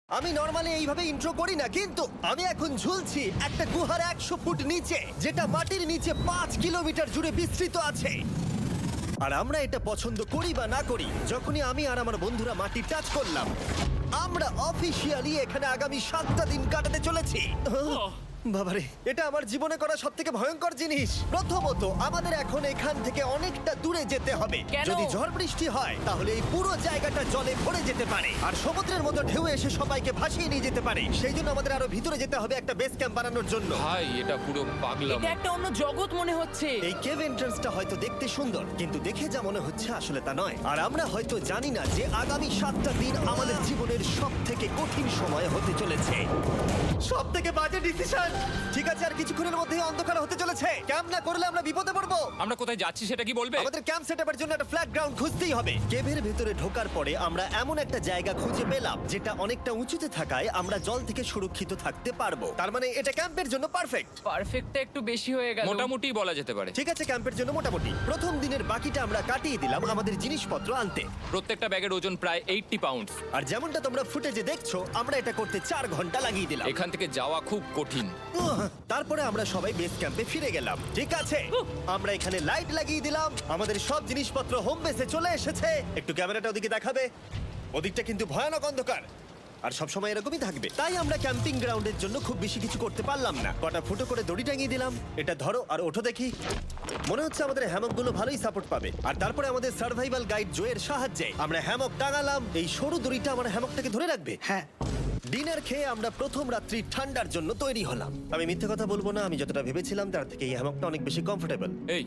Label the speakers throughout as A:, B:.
A: আমি নরমালি এইভাবে ইন্ট্রো করি না, কিন্তু আমি এখন ঝুলছি একটা গুহার 100 ফুট নিচে, যেটা মাটির নিচে 5 কিলোমিটার জুড়ে বিস্তৃত আছে। আর আমরা এটা পছন্দ করি বা না করি, যখনই আমি আর আমার বন্ধুরা মাটি টাচ করলাম, আমরা অফিসিয়ালি এখানে আগামী 7টা দিন কাটাতে চলেছি। বাবারে, এটা আমার জীবনে করা সবথেকে ভয়ঙ্কর জিনিস। প্রথমত, আমাদের এখন এখান থেকে অনেকটা দূরে যেতে হবে।
B: কেন?
A: যদি ঝড় বৃষ্টি হয় তাহলে এই পুরো জায়গাটা জলে ভরে যেতে পারে, আর সমুদ্রের মতো ঢেউ এসে সবাইকে ভাসিয়ে নিয়ে যেতে পারে। সেই জন্য আমাদের আরো ভিতরে যেতে হবে একটা বেস ক্যাম্প বানানোর জন্য।
C: ভাই এটা পুরো পাগলাম।
B: এটা একটা অন্য জগৎ মনে হচ্ছে।
A: এই কেভ এন্ট্রান্সটা হয়তো দেখতে সুন্দর, কিন্তু দেখে যা মনে হচ্ছে আসলে তা নয়। আর আমরা হয়তো জানি না যে আগামী 7টা দিন আমাদের জীবনের সব থেকে কঠিন সময় হতে চলেছে। সব থেকে বাজে ডিসিশন। ঠিক আছে, আর কিছুক্ষণের মধ্যেই অন্ধকার হতে চলেছে। ক্যাম্প না করলে আমরা বিপদে পড়বো।
C: আমরা কোথায় যাচ্ছি সেটা কি বলবে?
A: আমাদের ক্যাম্প সেটআপের জন্য একটা ফ্ল্যাট গ্রাউন্ড খুঁজতেই হবে। কেভের ভেতরে ঢোকার পরে আমরা এমন একটা জায়গা খুঁজে পেলাম যেটা অনেকটা উঁচুতে থাকায় আমরা জল থেকে সুরক্ষিত থাকতে পারবো। তার মানে এটা ক্যাম্পের জন্য পারফেক্ট।
B: পারফেক্টটা একটু বেশি হয়ে গেল।
C: মোটামুটি বলা যেতে পারে।
A: ঠিক আছে, ক্যাম্পের জন্য মোটামুটি। প্রথম দিনের বাকিটা আমরা কাটিয়ে দিলাম আমাদের জিনিসপত্র আনতে।
C: প্রত্যেকটা ব্যাগের ওজন প্রায় 80 পাউন্ড।
A: আর যেমনটা তোমরা ফুটেজে দেখছো, আমরা এটা করতে 4 ঘন্টা লাগিয়ে দিলাম।
C: এখান থেকে যাওয়া খুব কঠিন।
A: তারপরে আমরা সবাই বেস ক্যাম্পে ফিরে গেলাম। ঠিক আছে, আমরা এখানে লাইট লাগিয়ে দিলাম। আমাদের সব জিনিসপত্র হোম বেসে চলে এসেছে। একটু ক্যামেরাটা ওদিকে দেখাবে? ওদিকটা কিন্তু ভয়ানক অন্ধকার, আর সব সময় এরকমই থাকবে। তাই আমরা ক্যাম্পিং গ্রাউন্ডের জন্য খুব বেশি কিছু করতে পারলাম না। কটা ফুটো করে দড়ি টাঙিয়ে দিলাম। এটা ধরো আর ওঠো দেখি। মনে হচ্ছে আমাদের হ্যামকগুলো ভালোই সাপোর্ট পাবে। আর তারপরে আমাদের সার্ভাইভাল গাইড জোয়ের সাহায্যে আমরা হ্যামক টাঙালাম। এই সরু দড়িটা আমার হ্যামকটাকে ধরে রাখবে।
D: হ্যাঁ,
A: ডিনার খেয়ে আমরা প্রথম রাত্রি ঠান্ডার জন্য তৈরি হলাম। আমি মিথ্যে কথা বলবো না, আমি যতটা ভেবেছিলাম তার থেকে এই হ্যামকটা অনেক বেশি কমফোর্টেবল।
C: এই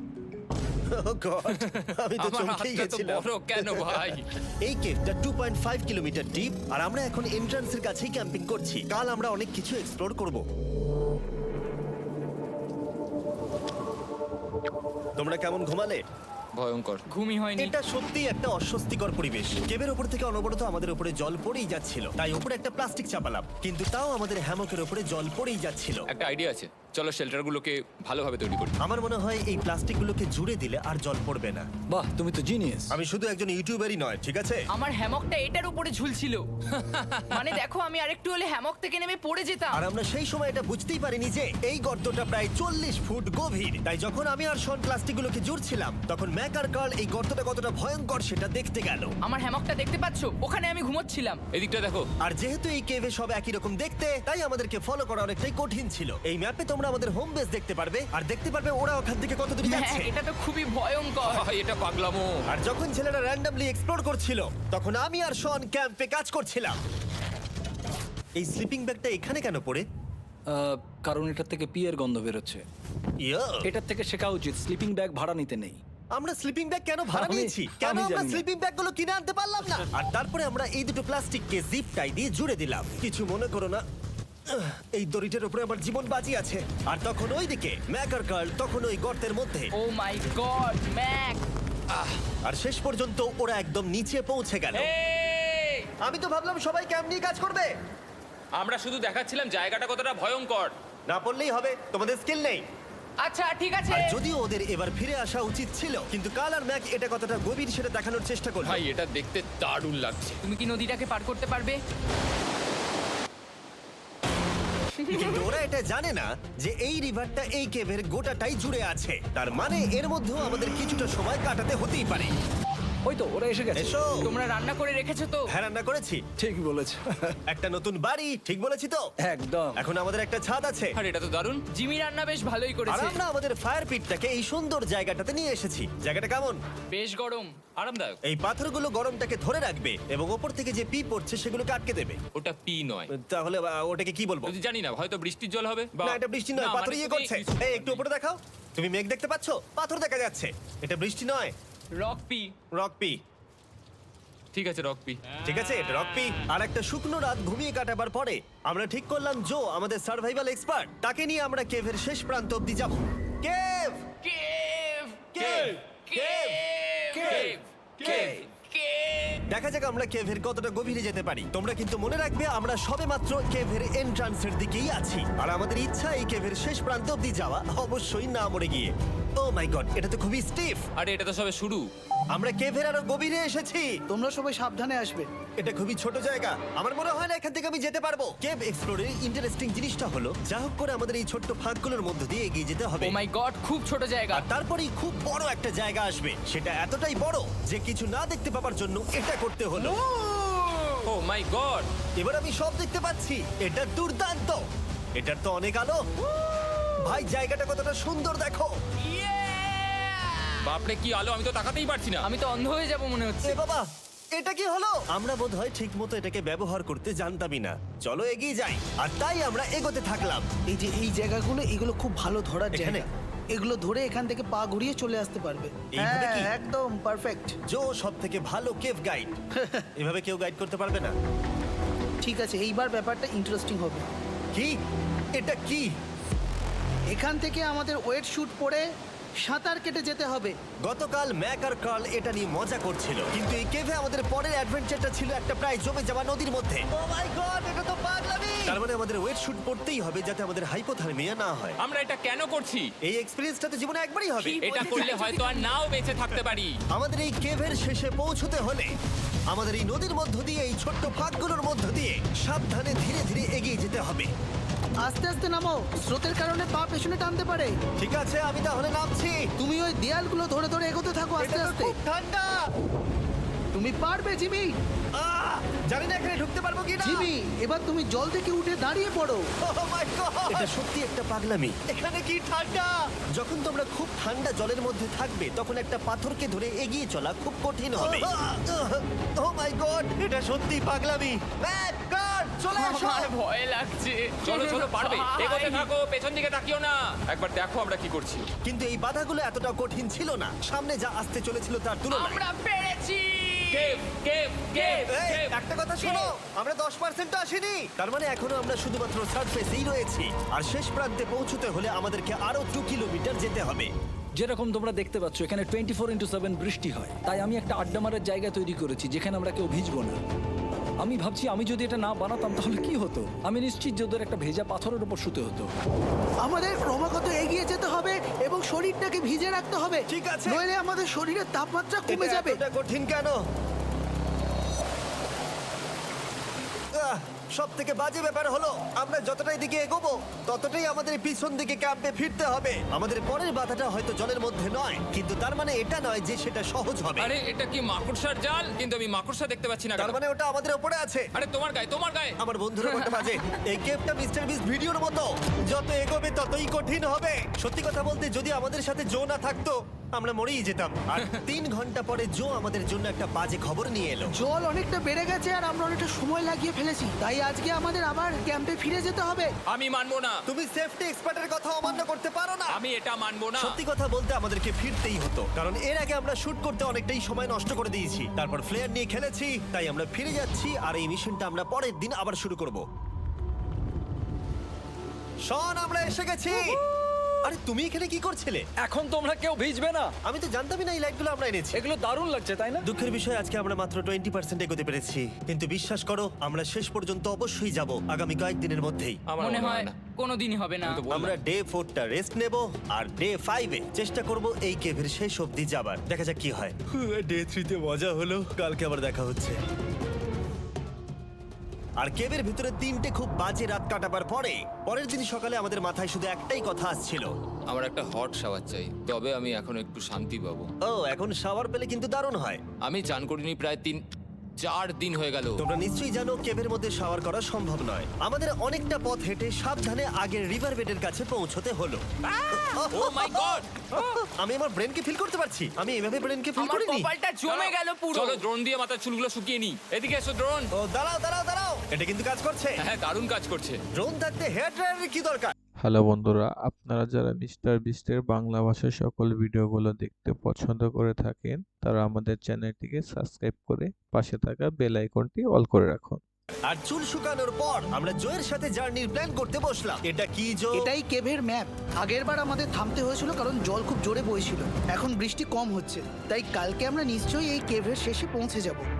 A: আমি তো
C: আমার
A: চমকেই
C: হাতটা তো
A: গেছিলাম।
C: বড় কেন ভাই?
A: এই কেভটা 2.5 কিলোমিটার ডিপ, আর আমরা এখন এন্ট্রান্সের কাছেই ক্যাম্পিং করছি। কাল আমরা অনেক কিছু এক্সপ্লোর করব। তোমরা কেমন ঘুমালে?
C: ভয়ঙ্কর।
B: ঘুমই হয়নি।
A: এটা সত্যি একটা অস্বস্তিকর পরিবেশ। কেবের ওপর থেকে অনবরত আমাদের উপরে জল পড়েই যাচ্ছিল, তাই উপরে একটা প্লাস্টিক চাপালাম, কিন্তু তাও আমাদের হ্যামকের উপরে জল পড়েই যাচ্ছিল।
C: একটা আইডিয়া আছে, চলো শেল্টারগুলোকে ভালোভাবে তৈরি করি।
A: আমার মনে হয় এই প্লাস্টিকগুলোকে জুড়ে দিলে আর জল পড়বে না।
D: বাহ, তুমি তো জিনিয়াস।
A: আমি শুধু একজন ইউটিউবারই নয়, ঠিক আছে?
B: আমার হ্যামকটা এটার উপরে ঝুলছিল। মানে দেখো, আমি আরেকটু হলে হ্যামক থেকে নেমে পড়ে যেতাম।
A: আর আমরা সেই সময় এটা বুঝতেই পারিনি যে এই গর্তটা প্রায় 40 ফুট গভীর। তাই যখন আমি আর শন প্লাস্টিকগুলোকে জুড়ছিলাম, তখন ম্যাক আর কার্ল এই গর্তটা কতটা ভয়ঙ্কর সেটা দেখতে গেল।
B: আমার হ্যামকটা দেখতে পাচ্ছো? ওখানে আমি ঘুমোচ্ছিলাম।
C: এদিকটা দেখো।
A: আর যেহেতু এই কেভে সব একই রকম দেখতে, তাই আমাদেরকে ফলো করা অনেকটাই কঠিন ছিল। এই ম্যাপে তোমরা আমাদের হোম বেস দেখতে পারবে, আর দেখতে পারবে ওরা ওখান থেকে কত দূর
B: হ্যাঁ,
A: যাচ্ছে।
B: এটা তো খুবই ভয়ঙ্কর।
C: ভাই এটা পাগলামো।
A: আর যখন ছেলেরা র্যান্ডমলি এক্সপ্লোর করছিল, তখন আমি আর শন ক্যাম্পে কাজ করছিলাম। এই স্লিপিং ব্যাগটা এখানে কেন পড়ে?
D: কারণ এটার থেকে পিয়ের গন্ধ বেরোচ্ছে।
A: ইয়া,
D: এটার থেকে শেখা উচিত স্লিপিং ব্যাগ ভাড়া নিতে নেই।
A: আমরা স্লিপিং ব্যাগ কেন ভাড়া
D: আমি-
A: নিয়েছি? কেন
D: আমি
A: আমরা
D: জানি না।
A: স্লিপিং ব্যাগগুলো কিনে আনতে পারলাম না? আর তারপরে আমরা এই দুটো প্লাস্টিককে জিপ টাই দিয়ে জুড়ে দিলাম। কিছু মনে করো না, এই দড়িটার উপরে আমার জীবন বাজি আছে। আর তখন ওইদিকে ম্যাক আর কার্ল তখন ওই গর্তের মধ্যে।
B: ও মাই গড, ম্যাক!
A: আর শেষ পর্যন্ত ওরা একদম নিচে পৌঁছে গেল।
C: এই!
A: আমি তো ভাবলাম সবাই ক্যাম্প নিয়ে কাজ করবে।
C: আমরা শুধু দেখাচ্ছিলাম জায়গাটা কতটা ভয়ঙ্কর।
A: না পড়লেই হবে, তোমাদের স্কিল নেই।
B: আচ্ছা ঠিক আছে।
A: আর যদিও ওদের এবার ফিরে আসা উচিত ছিল, কিন্তু কাল আর ম্যাক এটা কতটা গভীর সেটা দেখানোর চেষ্টা করলো।
C: ভাই এটা দেখতে দারুণ লাগছে।
B: তুমি কি নদীটাকে পার করতে পারবে?
A: কিন্তু ওরা এটা জানে না যে এই রিভারটা এই কেভের গোটাটাই জুড়ে আছে। তার মানে এর মধ্যেও আমাদের কিছুটা সময় কাটাতে হতেই পারে।
D: ওই তো ওরা এসে গেছে।
A: এসো।
B: তোমরা রান্না করে রেখেছো তো?
A: হ্যাঁ, রান্না করেছি।
D: ঠিক বলেছ।
A: একটা নতুন বাড়ি, ঠিক বলেছি তো?
D: একদম।
A: এখন আমাদের একটা ছাদ আছে।
C: আর এটা তো দারুণ।
B: জিমি রান্না বেশ ভালোই
A: আর
B: করেছে।
A: আমরা আমাদের ফায়ার পিটটাকে এই সুন্দর জায়গাটাতে নিয়ে এসেছি। জায়গাটা কেমন?
B: বেশ গরম।
C: আরামদায়ক।
A: এই পাথরগুলো গরমটাকে ধরে রাখবে এবং ওপর থেকে যে পি পড়ছে সেগুলোকে আটকে দেবে।
C: ওটা পি নয়।
A: তাহলে ওটাকে কি বলবো?
C: যদি জানি না, হয়তো বৃষ্টির জল হবে বা
A: না, এটা বৃষ্টি নয়,
C: না,
A: পাথর
C: মানে
A: ইয়ে
C: তুমি-
A: করছে। এই একটু উপরে দেখাও। তুমি মেঘ দেখতে পাচ্ছো? পাথর দেখা যাচ্ছে। এটা বৃষ্টি নয়,
B: রক পি।
A: Rock P.
C: ঠিক আছে, রক পি।
A: ঠিক আছে, এটা রক পি। আর একটা শুকনো রাত ঘুমিয়ে কাটাবার পরে আমরা ঠিক করলাম জো আমাদের সার্ভাইভাল এক্সপার্ট, তাকে নিয়ে আমরা কেভের শেষ প্রান্ত অব্দি যাব। Cave,
B: cave!
A: Cave,
B: cave!
A: Cave, cave.
B: Cave!
A: দেখা যাক আমরা কেভের কতটা গভীরে যেতে পারি। তোমরা কিন্তু মনে রাখবে আমরা সবেমাত্র কেভের এন্ট্রান্সের দিকেই আছি, আর আমাদের ইচ্ছা এই কেভের শেষ প্রান্ত অব্দি যাওয়া, অবশ্যই না মরে গিয়ে। ও মাই গড, এটা তো খুবই স্টিফ।
C: আরে এটা তো সবে শুরু।
A: আমরা কেভের আরো গভীরে এসেছি।
E: তোমরা সবাই সাবধানে আসবে।
A: এটা খুবই ছোট জায়গা, আমার মনে হয় না এখান থেকে আমি যেতে পারবো। কেভ এক্সপ্লোরের ইন্টারেস্টিং জিনিসটা হলো যা হোক করে আমাদের এই ছোট্ট ফাঁকগুলোর মধ্য দিয়ে এগিয়ে যেতে হবে।
B: ও মাই গড, খুব ছোট জায়গা।
A: আর তারপরেই খুব বড় একটা জায়গা আসবে, সেটা এতটাই বড় যে কিছু না দেখতে পাওয়ার জন্য এটা করতে হলো।
C: Oh my god.
A: এবার আমি সব দেখতে পাচ্ছি, এটা দুর্দান্ত। এটার তো অনেক আলো। ভাই জায়গাটা কতটা সুন্দর দেখো।
C: বাপরে কি আলো, আমি তো তাকাতেই পারছি না।
B: আমি তো অন্ধ হয়ে যাব মনে হচ্ছে।
A: এ বাবা, এটা কি হলো? আমরা বোধহয় ঠিক মতো এটাকে ব্যবহার করতে জানতামই না। চলো এগিয়ে যাই। আর তাই আমরা এগোতে থাকলাম।
E: এই যে এই জায়গাগুলো, এগুলো খুব ভালো ধরার
A: এখানে?
E: জায়গা। এগুলো ধরে এখান থেকে পা ঘুরিয়ে চলে আসতে পারবে।
A: এইভাবে কি?
E: হ্যাঁ, একদম পারফেক্ট।
A: জো সব থেকে ভালো কেভ গাইড। এভাবে কেউ গাইড করতে পারবে না।
E: ঠিক আছে, এইবার ব্যাপারটা ইন্টারেস্টিং হবে।
A: কি? এটা কি?
E: এখান থেকে আমাদের ওয়েট শুট পরে সাঁতার কেটে যেতে হবে।
A: গতকাল ম্যাক আর কার্ল এটা নিয়ে মজা করছিল, কিন্তু এই কেভে আমাদের পরের অ্যাডভেঞ্চারটা ছিল একটা প্রায় জমে যাওয়া নদীর মধ্যে। ও মাই গড, এটা তো পাগলামি! তার মানে আমাদের ওয়েট শুট পড়তেই হবে যাতে আমাদের হাইপোথার্মিয়া না হয়।
C: আমরা এটা কেন করছি?
A: এই এক্সপেরিয়েন্সটা তো জীবনে একবারই হবে।
C: এটা করলে হয়তো আর নাও বেঁচে থাকতে পারি।
A: আমাদের এই কেভের শেষে পৌঁছতে হলে আমাদের এই নদীর মধ্য দিয়ে, এই ছোট্ট ফাঁকগুলোর মধ্য দিয়ে সাবধানে ধীরে ধীরে এগিয়ে যেতে হবে।
E: আস্তে আস্তে নামো, স্রোতের কারণে পা পেছনে টানতে পারে।
A: ঠিক আছে, আমি তাহলে নামছি।
E: তুমি ওই দেয়ালগুলো ধরে ধরে এগোতে থাকো আস্তে
A: এটা তো
E: আস্তে।
A: খুব ঠান্ডা।
E: তুমি পারবে জিমি।
A: জানি না এখানে ঢুকতে পারবো কি না।
E: জিমি, এবার তুমি জল থেকে উঠে দাঁড়িয়ে পড়ো।
A: এটা সত্যি একটা পাগলামি। এখানে কি ঠান্ডা! যখন তোমরা খুব ঠান্ডা জলের মধ্যে থাকবে তখন একটা পাথরকে ধরে এগিয়ে চলা খুব কঠিন হবে। ও মাই গড, এটা সত্যি পাগলামি। ম্যাক, গড, চলে এসো।
B: আমার ভয় লাগছে।
C: চলো চলো, পারবে।
B: ভাই।
C: এগোতে থাকো, পেছন দিকে তাকিও না। একবার দেখো আমরা কি করছি।
A: কিন্তু এই বাধাগুলো এতটা কঠিন ছিল না সামনে যা আসতে চলেছিল তার তুলনায়।
B: আমরা পেরেছি।
C: কেভ কেভ কেভ
A: এই,
C: কেভ।
A: একটা কথা শোনো, আমরা 10% আসিনি। তার মানে এখনো আমরা শুধুমাত্র সারফেসেই রয়েছি, আর শেষ প্রান্তে পৌঁছতে হলে আমাদেরকে আরো 2 কিলোমিটার যেতে হবে।
D: যেরকম তোমরা দেখতে পাচ্ছ এখানে 24/7 বৃষ্টি হয়, তাই আমি একটা আড্ডা মারার জায়গা তৈরি করেছি যেখানে আমরা কেউ ভিজবো না। আমি ভাবছি আমি যদি এটা না বানাতাম তাহলে কি হতো। আমি নিশ্চিত যে ওদের একটা ভেজা পাথরের উপর শুতে হতো।
E: আমাদের ক্রমাগত এগিয়ে যেতে হবে এবং শরীরটাকে ভিজে রাখতে হবে।
A: ঠিক আছে।
E: নইলে আমাদের শরীরের তাপমাত্রা কমে
A: এটা
E: যাবে।
A: এতটা কঠিন কেন? সব থেকে বাজে ব্যাপার হলো আমরা যতটাই দিকে এগোবো ততটাই আমাদের পিছন দিকে ক্যাম্পে ফিরতে হবে। আমাদের পরের বাধাটা হয়তো জলের মধ্যে নয়, কিন্তু তার মানে এটা নয় যে সেটা সহজ হবে।
C: আরে এটা কি মাকড়সার জাল? কিন্তু আমি মাকড়সা দেখতে পাচ্ছি না।
A: তার
C: কেন?
A: মানে ওটা আমাদের উপরে আছে।
C: আরে তোমার গায়ে, তোমার গায়ে।
A: আমার বন্ধুরা বলতে বাজে, এই গেমটা মিস্টার বিস ভিডিওর মতো, যত এগোবে ততই কঠিন হবে। সত্যি কথা বলতে যদি আমাদের সাথে জো না থাকতো আমরা মরেই যেতাম। আর 3 ঘন্টা পরে জো আমাদের জন্য একটা বাজে খবর নিয়ে এলো।
E: জল অনেকটা বেড়ে গেছে আর আমরা অনেকটা সময় লাগিয়ে ফেলেছি, তাই আজকে আমাদের আবার ক্যাম্পে ফিরে যেতে হবে।
C: আমি মানবো না।
A: তুমি সেফটি এক্সপার্টের কথা অমান্য করতে পারো না।
C: আমি এটা মানবো না।
A: সত্যি কথা বলতে আমাদেরকে ফিরতেই হতো, কারণ এর আগে আমরা শুট করতে অনেকটাই সময় নষ্ট করে দিয়েছি। তারপর ফ্লেয়ার নিয়ে খেলেছি, তাই আমরা ফিরে যাচ্ছি আর এই মিশনটা আমরা পরের দিন আবার শুরু করব। শন, আমরা এসে গেছি। আরে তুমি এখানে কি করছিলে?
D: এখন তোমরা কেউ ভিজবে না।
A: আমি তো জানতামই না এই লাইটগুলো আমরা এনেছি।
D: এগুলো দারুণ লাগছে তাই না?
A: দুঃখের বিষয় আজকে আমরা মাত্র 20% এগোতে পেরেছি, কিন্তু বিশ্বাস করো আমরা শেষ পর্যন্ত অবশ্যই যাব আগামী কয়েকদিনের মধ্যেই।
C: আমার
B: মনে হয়
C: না।
B: কোনোদিনই হবে না।
C: আমি তো বললাম।
A: আমরা ডে 4টা রেস্ট নেব আর ডে 5-এ চেষ্টা করব এই কেভের শেষ অবধি যাবার। দেখা যাক কি হয়। ডে 3-তে মজা হলো, কালকে আবার দেখা হচ্ছে। আর কেভের ভিতরে 3টে খুব বাজে রাত কাটাবার পরে পরের দিন সকালে আমাদের মাথায় শুধু একটাই কথা আসছিল,
C: আমার একটা হট শাওয়ার চাই, তবে আমি এখন একটু শান্তি পাবো।
A: ও এখন শাওয়ার পেলে কিন্তু দারুণ হয়।
C: আমি চান করিনি প্রায় 3-4 দিন হয়ে গেল।
A: তোমরা নিশ্চয়ই জানো কেভের মধ্যে শাওয়ার করা সম্ভব নয়। আমাদের অনেকটা পথ হেঁটে সাবধানে আগের রিভার বেডের কাছে পৌঁছতে হলো।
C: Oh my god!
A: আমি আমার ব্রেনকে ফিল করতে পারছি। আমি এভাবে ব্রেনকে ফিল
B: আমার
A: করিনি।
B: কপালটা জমে গেল পুরো।
C: চলো ড্রোন দিয়ে মাথার চুলগুলো শুকিয়ে নি। এদিকে এসো ড্রোন।
A: ও দাঁড়াও দাঁড়াও দাঁড়াও, এটা কিন্তু কাজ করছে।
C: হ্যাঁ, দারুণ কাজ করছে।
A: ড্রোন থাকতে হেয়ার ড্রায়ারের কি দরকার?
F: হ্যালো বন্ধুরা, আপনারা যারা মিস্টার বিস্টের বাংলা ভাষার সকল ভিডিওগুলো দেখতে পছন্দ করে থাকেন তারা আমাদের চ্যানেলটিকে সাবস্ক্রাইব করে পাশে থাকা বেল আইকনটি অল করে রাখুন।
A: আর চুল শুকানোর পর আমরা জোয়ের সাথে জার্নির প্ল্যান করতে বসলাম। এটা কি জো?
E: এটাই কেভের ম্যাপ। আগেরবার আমাদের থামতে হয়েছিল কারণ জল খুব জোরে বইছিল। এখন বৃষ্টি কম হচ্ছে, তাই কালকে আমরা নিশ্চয়ই এই কেভের শেষে পৌঁছে যাব।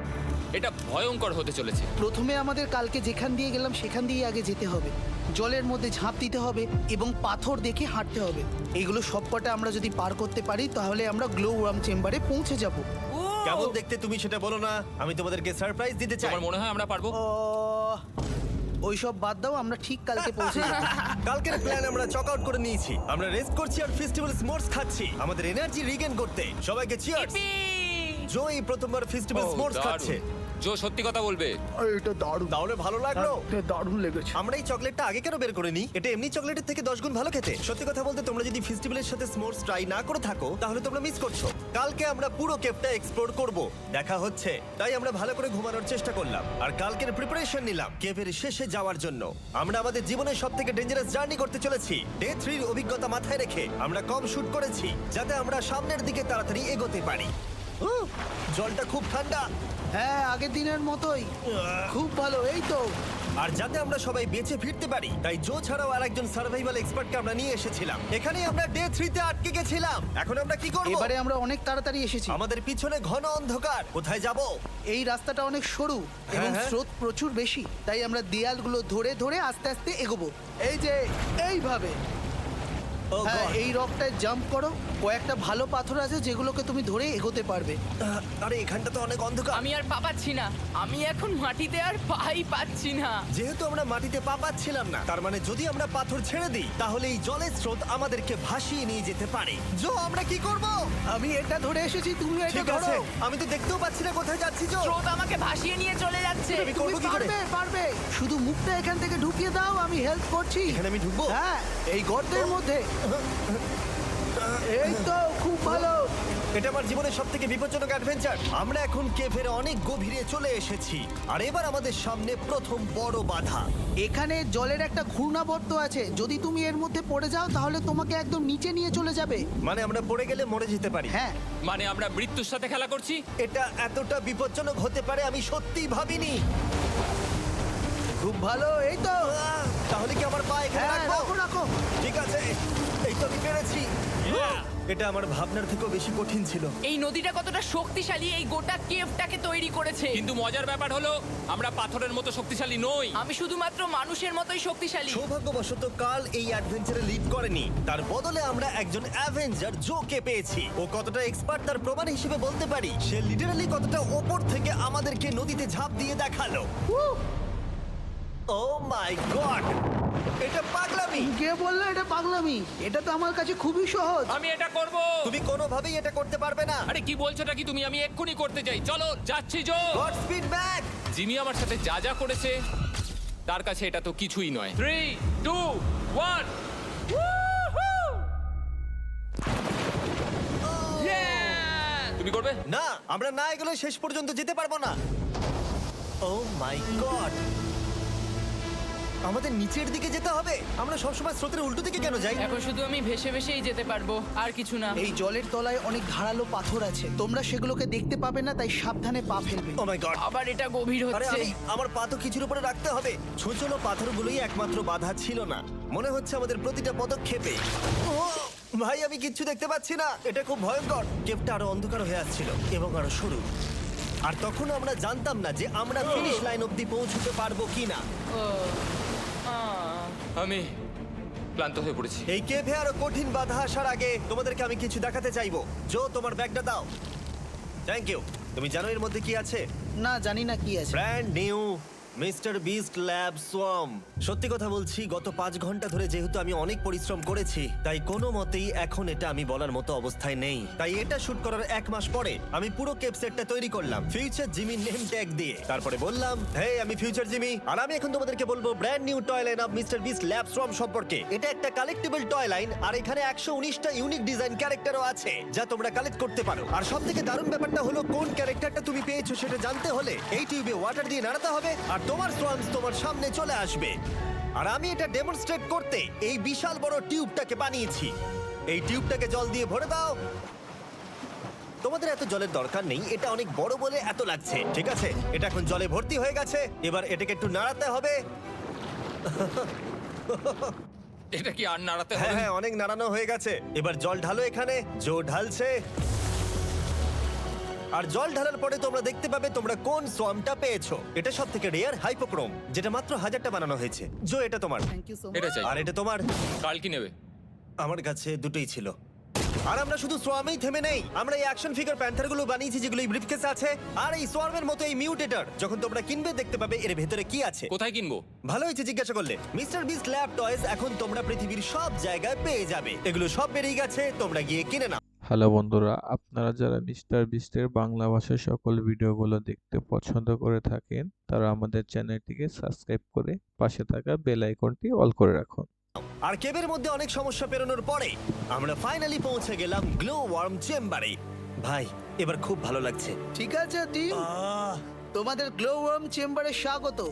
C: এটা ভয়ঙ্কর হতে চলেছে।
E: প্রথমে আমাদের কালকে যেখান দিয়ে গেলাম সেখান দিয়ে আগে যেতে হবে, জলের মধ্যে ঝাঁপ দিতে হবে এবং পাথর দেখে হাঁটতে হবে। এগুলো সবকটা আমরা যদি পার করতে পারি তাহলে আমরা গ্লো ওয়ার্ম চেম্বারে পৌঁছে যাব।
A: কেমন দেখতে তুমি সেটা বলো না, আমি তোমাদেরকে সারপ্রাইজ দিতে চাই।
C: তোমার মনে হয় আমরা পারবো?
E: ওইসব বাদ দাও, আমরা ঠিক কালকে পৌঁছে যাব।
A: কালকের প্ল্যান আমরা চক আউট করে নিয়েছি। আমরা রেস্ট করছি আর ফেস্টিভ্যাল স্মোর্টস খাচ্ছি আমাদের এনার্জি রিগেন করতে। সবাইকে চিয়ার্স। জো এই প্রথমবার ফেস্টিভ্যাল
C: ও,
A: স্মোর্টস
C: দারুণ।
A: খাচ্ছে।
C: জো সত্যি কথা বলবে।
E: এটা দারুণ,
A: তাহলে ভালো লাগলো?
E: দারুণ লেগেছে।
A: আমরা এই চকলেটটা আগে কেন বের করে নিই? এটা এমনি চকলেটের থেকে 10 গুণ ভালো খেতে। সত্যি কথা বলতে তোমরা যদি ফেস্টিভ্যালের সাথে স্মোর্টস ট্রাই না করে থাকো তাহলে তোমরা মিস করছো। কালকে আমরা পুরো কেভটা এক্সপ্লোর করব, দেখা হচ্ছে। তাই আমরা ভালো করে ঘুমানোর চেষ্টা করলাম আর কালকের প্রিপারেশন নিলাম কেভের শেষে যাওয়ার জন্য। আমরা আমাদের জীবনের সবথেকে ডেঞ্জারাস জার্নি করতে চলেছি। ডে 3 এর অভিজ্ঞতা মাথায় রেখে আমরা কম শুট করেছি যাতে আমরা সামনের দিকে তাড়াতাড়ি এগোতে পারি। জলটা খুব ঠান্ডা।
E: হ্যাঁ, আগের দিনের মতোই খুব ভালো। এই তো
A: আর যাতে আমরা সবাই বেঁচে ফিরতে পারি তাই জো ছাড়াও আরেকজন সার্ভাইভাল এক্সপার্টকে আমরা নিয়ে এসেছিলাম। এখানেই আমরা ডে 3 তে আটকে গেছিলাম। এখন আমরা কি করব?
E: এবারে আমরা অনেক তাড়াতাড়ি এসেছি।
A: আমাদের পিছনে ঘন অন্ধকার। কোথায় যাব?
E: এই রাস্তাটা অনেক সরু এবং
A: হ্যাঁ।
E: স্রোত প্রচুর বেশি, তাই আমরা দেয়ালগুলো ধরে ধরে আস্তে আস্তে এগোবো। এই যে এইভাবে।
A: Oh
E: হ্যাঁ,
A: God!
E: এই রকটায় জাম্প করো। কয়েকটা ভালো পাথর আছে যেগুলোকে তুমি ধরে এগোতে পারবে।
A: আরে এখানটা তো অনেক অন্ধকার।
B: আমি আর পা পাচ্ছি না, আমি এখন মাটিতে আর পাই পাচ্ছি না।
A: যেহেতু আমরা মাটিতে পা পাচ্ছিলাম না, তার মানে যদি আমরা পাথর ছেড়ে দিই তাহলে এই জলের স্রোত আমাদেরকে ভাসিয়ে নিয়ে যেতে পারে। জো, আমরা কি করব?
E: আমি এটা ধরে এসেছি, তুমি এটা
A: ঠিক আছে,
E: ধরো।
A: আমি তো দেখতেও পাচ্ছি না কোথায় যাচ্ছি। জো,
B: স্রোত আমাকে ভাসিয়ে নিয়ে চলে যাচ্ছে।
A: আমি
E: তুমি
A: করবো কি করে?
E: পারবে, পারবে। শুধু মুখটা এখান থেকে ঢুকিয়ে দাও, আমি হেল্প করছি।
A: এখানে আমি ঢুকবো?
E: হ্যাঁ, এই গর্তের মধ্যে। এই তো খুব ভালো।
A: এটা আমার জীবনের সবথেকে বিপজ্জনক অ্যাডভেঞ্চার। আমরা এখন কেভের অনেক গভীরে চলে এসেছি আর এবার আমাদের সামনে প্রথম বড় বাধা।
E: এখানে জলের একটা ঘূর্ণাবর্ত আছে, যদি তুমি এর মধ্যে পড়ে যাও তাহলে তোমাকে একদম নিচে নিয়ে চলে যাবে।
A: মানে আমরা পড়ে গেলে মরে যেতে পারি।
E: হ্যাঁ,
C: মানে আমরা মৃত্যুর সাথে খেলা করছি?
A: এটা এতটা বিপজ্জনক হতে পারে আমি সত্যিই ভাবিনি।
E: খুব ভালো। এই তো।
A: তাহলে কি আমার পা এখানে
E: হ্যাঁ,
A: রাখবো?
E: রাখো রাখো।
A: ঠিক আছে, এই তো আমি পেরেছি। এটা আমার ভাবনার থেকেও বেশি কঠিন ছিল।
B: এই নদীটা কতটা শক্তিশালী এই গোটা কেভটাকে তৈরি করেছে।
C: কিন্তু মজার ব্যাপার হলো আমরা পাথরের মতো শক্তিশালী নই।
B: আমি শুধুমাত্র মানুষের মতোই শক্তিশালী।
A: সৌভাগ্যবশত কাল এই অ্যাডভেঞ্চারে লিড করেনি, তার বদলে আমরা একজন অ্যাভেঞ্জার জোকে পেয়েছি। ও কতটা এক্সপার্ট তার প্রমাণ হিসেবে বলতে পারি। সে লিটারালি কতটা ওপর থেকে আমাদেরকে নদীতে ঝাঁপ দিয়ে দেখালো। ও মাই গড, এটা পাগলামি।
E: কে বললো এটা পাগলামি? এটা তো আমার কাছে খুবই সহজ।
C: আমি এটা করব।
A: তুমি কোনোভাবেই এটা করতে পারবে না।
C: আরে কি বলছোটা কি তুমি? আমি এক্ষুনি করতে চাই। চলো যাচ্ছি Joe.
A: God speed back.
C: Jimmy আমার সাথে যা যা করেছে তার কাছে এটা তো কিছুই নয়। 3, 2, 1। তুমি করবে?
A: না, আমরা না এগুলো শেষ পর্যন্ত যেতে পারবো না। ও মাই গড, আমাদের নিচের দিকে যেতে হবে। আমরা সবসময় স্রোতের উল্টো দিকে কেন যাই?
B: এখন শুধু আমি ভেসে ভেসেই যেতে পারবো, আর কিছু না।
E: এই জলের তলায় অনেক ধারালো পাথর আছে, তোমরা সেগুলোকে দেখতে পাবে না, তাই সাবধানে পা ফেলবে।
A: ও মাই গড,
B: আবার এটা গভীর
A: আরে
B: হচ্ছে।
A: আমার পা তো কিছুর উপরে রাখতে হবে। ছোট পাথরগুলোই একমাত্র বাধা ছিল না, মনে হচ্ছে আমাদের প্রতিটা পদক্ষেপে। ও ভাই, আমি কিচ্ছু দেখতে পাচ্ছি না। এটা খুব ভয়ঙ্কর। কেভটা আরো অন্ধকার হয়ে আসছিল এবং আরো সরু। আর তখন আমরা জানতাম না যে আমরা ফিনিশ লাইন অবধি পৌঁছতে পারবো কিনা।
C: আমি ক্লান্ত হয়ে পড়েছি।
A: এই কেভে আরো কঠিন বাধা আসার আগে তোমাদেরকে আমি কিছু দেখাতে চাইবো। জো, তোমার ব্যাগটা দাও। Thank you. তুমি জানো এর মধ্যে কি আছে?
E: না, জানি না কি আছে।
A: Brand new Mister Beast lab swarm. সত্যি কথা বলছি, গত 5 ঘন্টা ধরে যেহেতু আমি অনেক পরিশ্রম করেছি, তাই কোনো মতেই এখন এটা আমি বলার মতো অবস্থায় নেই। তাই এটা শুট করার 1 মাস পরে আমি পুরো কেপ সেটটা তৈরি করলাম ফিউচার জিমি নেম ট্যাগ দিয়ে। তারপরে বললাম, হে, আমি ফিউচার জিমি, আর আমি এখন তোমাদেরকে বলবো brand new toy line of Mister Beast lab swarm সম্পর্কে। এটা একটা কালেক্টেবল টয় লাইন, আর এখানে 119টা ইউনিক ডিজাইন ক্যারেক্টারও আছে যা তোমরা কালেক্ট করতে পারো। আর সবথেকে দারুণ ব্যাপারটা হলো, কোন ক্যারেক্টারটা তুমি পেয়েছো সেটা জানতে হলে এই টিউবে ওয়াটার দিয়ে নাড়াতে হবে আর তোমার সোয়ামস তোমার সামনে চলে আসবে। আর আমি এটা ডেমনস্ট্রেট করতে এই বিশাল বড় টিউবটাকে বানিয়েছি। এই টিউবটাকে জল দিয়ে ভরে দাও। তোমাদের এত জলের দরকার নেই, এটা অনেক বড় বলে এত লাগছে। ঠিক আছে, এটা এখন জলে ভর্তি হয়ে গেছে। এবার এটাকে একটু নাড়াতে হবে।
C: এটা কি আর নাড়াতে
A: হ্যাঁ
C: হবে?
A: হ্যাঁ, অনেক নাড়ানো হয়ে গেছে। এবার জল ঢালো এখানে। জো ঢালছে। আর জল ঢালার পরে তোমরা দেখতে পাবে তোমরা কোন সোয়ামটা পেয়েছো। এটা সব থেকে রেয়ার হাইপোক্রোম, যেটা মাত্র 1000টা বানানো হয়েছে। জো, এটা তোমার।
E: থ্যাংক ইউ সো
C: এটা চাই।
A: আর এটা তোমার।
C: কাল কি নেবে?
A: আমার কাছে দুটোই ছিল। আর আমরা শুধু সোয়ামেই থেমে নেই, আমরা এই অ্যাকশন ফিগার প্যান্থারগুলো বানিয়েছি যেগুলো এই ব্রিফকেসে আছে। আর এই সোয়ার্মের মতো এই মিউটেটর যখন তোমরা কিনবে দেখতে পাবে এর ভেতরে কি আছে।
C: কোথায় কিনবো?
A: ভালো হয়েছে জিজ্ঞাসা করলে। মিস্টার বিস্ট ল্যাব টয়েস এখন তোমরা পৃথিবীর সব জায়গায় পেয়ে যাবে। এগুলো সব বেরিয়ে গেছে, তোমরা গিয়ে কিনে নাও।
F: হ্যালো বন্ধুরা, আপনারা যারা মিস্টার বিস্টের বাংলা ভাষার সকল ভিডিওগুলো দেখতে পছন্দ করে থাকেন তারা আমাদের চ্যানেলটিকে সাবস্ক্রাইব করে পাশে থাকা বেল আইকনটি অল করে রাখুন।
A: আর কেবের মধ্যে অনেক সমস্যা পেরোনোর পরে আমরা ফাইনালি পৌঁছে গেলাম গ্লো ওয়ার্ম চেম্বারে। ভাই, এবার খুব ভালো লাগছে।
E: ঠিক আছে টিম, তোমাদের গ্লো ওয়ার্ম চেম্বারে স্বাগত।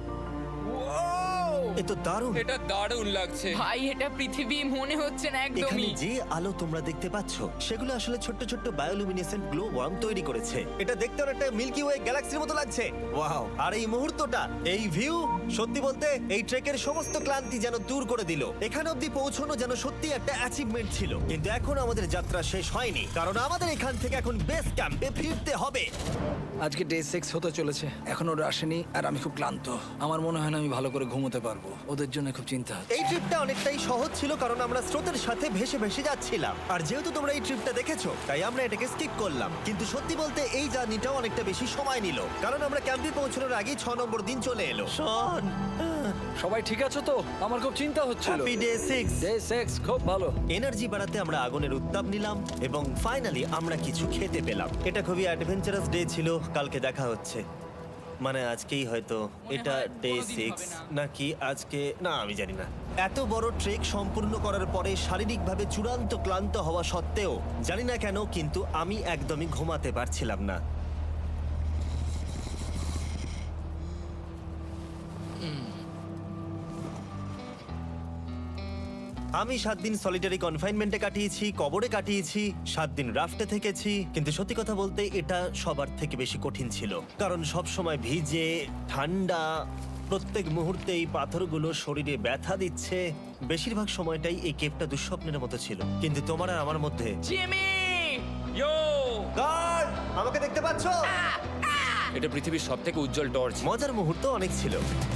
A: এ তো দারুণ।
C: এটা দারুণ লাগছে।
B: ভাই এটা পৃথিবী মনে হচ্ছে না
A: এখানে
B: একদমই।
A: যে আলো তোমরা দেখতে পাচ্ছ সেগুলো আসলে ছোট্ট ছোট্ট বায়োলুমিনেসেন্ট গ্লো ওয়ার্ম তৈরি করেছে। এটা দেখতে অনেকটা মিল্কি ওয়ে গ্যালাক্সির মতো লাগছে। ওয়াও! আর এই মুহূর্তটা, এই ভিউ, সত্যি বলতে এই ট্রেকের সমস্ত ক্লান্তি যেন দূর করে দিল। এখানে অবধি পৌঁছানো যেন সত্যি একটা অ্যাচিভমেন্ট ছিল। কিন্তু এখন আমাদের যাত্রা শেষ হয়নি, কারণ আমাদের এখান থেকে এখন বেস ক্যাম্পে ফিরতে হবে।
D: আজকে ডে 6 হতে চলেছে, এখন ওরা আসেনি আর আমি খুব ক্লান্ত। আমার মনে হয় না আমি ভালো করে ঘুমোতে পারবো, ওদের জন্য খুব চিন্তা হচ্ছে।
A: এই ট্রিপটা অনেকটাই সহজ ছিল কারণ আমরা স্রোতের সাথে ভেসে ভেসে যাচ্ছিলাম। আর যেহেতু তোমরা এই ট্রিপটা দেখেছো তাই আমরা এটাকে স্কিপ করলাম। কিন্তু সত্যি বলতে এই জার্নিটাও অনেকটা বেশি সময় নিল, কারণ আমরা ক্যাম্পে পৌঁছানোর আগেই 6 নম্বর দিন চলে এলো। শন,
D: সবাই ঠিক আছে তো? আমার খুব চিন্তা হচ্ছিল।
A: Happy day 6।
D: ডে 6 খুব ভালো।
A: এনার্জি বাড়াতে আমরা আগুনের উত্তাপ নিলাম এবং ফাইনালি আমরা কিছু খেতে পেলাম। এটা খুবই অ্যাডভেঞ্চারাস ডে ছিল। কালকে দেখা হচ্ছে, মানে আজকেই হয়তো। এটা
B: হয়
A: ডে
B: কোনোদিন
A: 6
B: হবে না।
A: নাকি আজকে, না আমি জানি না। এত বড় ট্রেক সম্পূর্ণ করার পরে শারীরিকভাবে চূড়ান্ত ক্লান্ত হওয়া সত্ত্বেও জানি না কেন কিন্তু আমি একদমই ঘুমাতে পারছিলাম না। আমি 7 দিন সলিটারি কনফাইনমেন্টে কাটিয়েছি, কবরে কাটিয়েছি, 7 দিন রাফটে থেকেছি। কিন্তু সত্যি কথা বলতে এটা সবার থেকে বেশি কঠিন ছিল, কারণ সব সময় ভিজে, ঠান্ডা, প্রত্যেক মুহূর্তে এই পাথরগুলো শরীরে ব্যথা দিচ্ছে। বেশিরভাগ সময়টাই এই কেপটা দুঃস্বপ্নের মতো ছিল। কিন্তু তোমার আর আমার মধ্যে
B: জিমি!
C: ইয়ো!
A: কার, আমাকে দেখতে পাচ্ছ?
C: এটা পৃথিবীর সবথেকে উজ্জ্বল টর্চ।
A: মজার মুহূর্ত অনেক ছিল।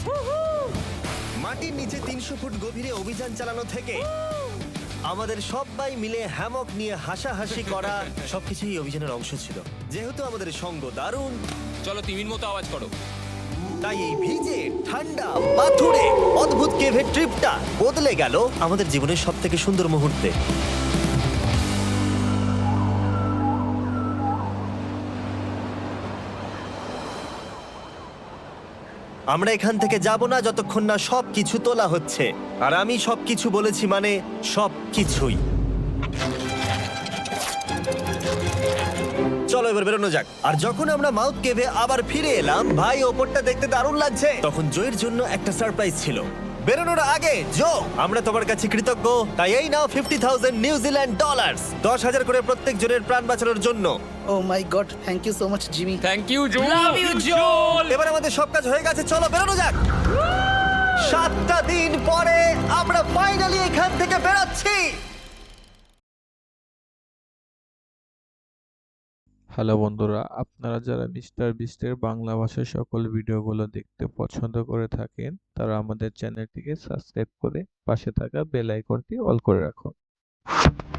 A: মাটির নিচে 300 ফুট গভীরে অভিযান চালানো থেকে আমাদের সবাই মিলে হ্যামক নিয়ে হাসাহাসি করা সবকিছুই এই অভিযানের অংশ ছিল। যেহেতু আমাদের সঙ্গ দারুণ,
C: চলো তিমির মতো আওয়াজ করো।
A: তাই এই ভিজে ঠান্ডা পাথুরে অদ্ভুত কেভের ট্রিপটা বদলে গেল আমাদের জীবনের সব থেকে সুন্দর মুহূর্তে। আমরা এখান থেকে যাব না যতক্ষণ না সবকিছু তোলা হচ্ছে। আর আমি সবকিছু বলেছি মানে সবকিছুই। চলো এবার বেরোনো যাক। আর যখন আমরা মাউথ কেভে আবার ফিরে এলাম, ভাই ওপরটা দেখতে দারুণ লাগছে। তখন জয়ের জন্য একটা সারপ্রাইজ ছিল। বেরোনোর আগে জো, আমরা তোমার কাছে কৃতজ্ঞ। তাই এই নাও 50,000 নিউজিল্যান্ড ডলার, 10,000 করে প্রত্যেক জনের প্রাণ বাঁচানোর জন্য।
E: Oh my god, thank you so much Jimmy.
C: Thank you Joe.
B: Love you Joel!
A: এবার আমাদের সব কাজ হয়ে গেছে, চলো বেরোনো যাক। 7টা দিন পরে আমরা ফাইনালি এখান থেকে বেরোচ্ছি।
F: হ্যালো বন্ধুরা, আপনারা যারা মিস্টার বিস্টের বাংলা ভাষার সকল ভিডিওগুলো দেখতে পছন্দ করে থাকেন তারা আমাদের চ্যানেলটিকে সাবস্ক্রাইব করে পাশে থাকা বেল আইকনটি অল করে রাখুন।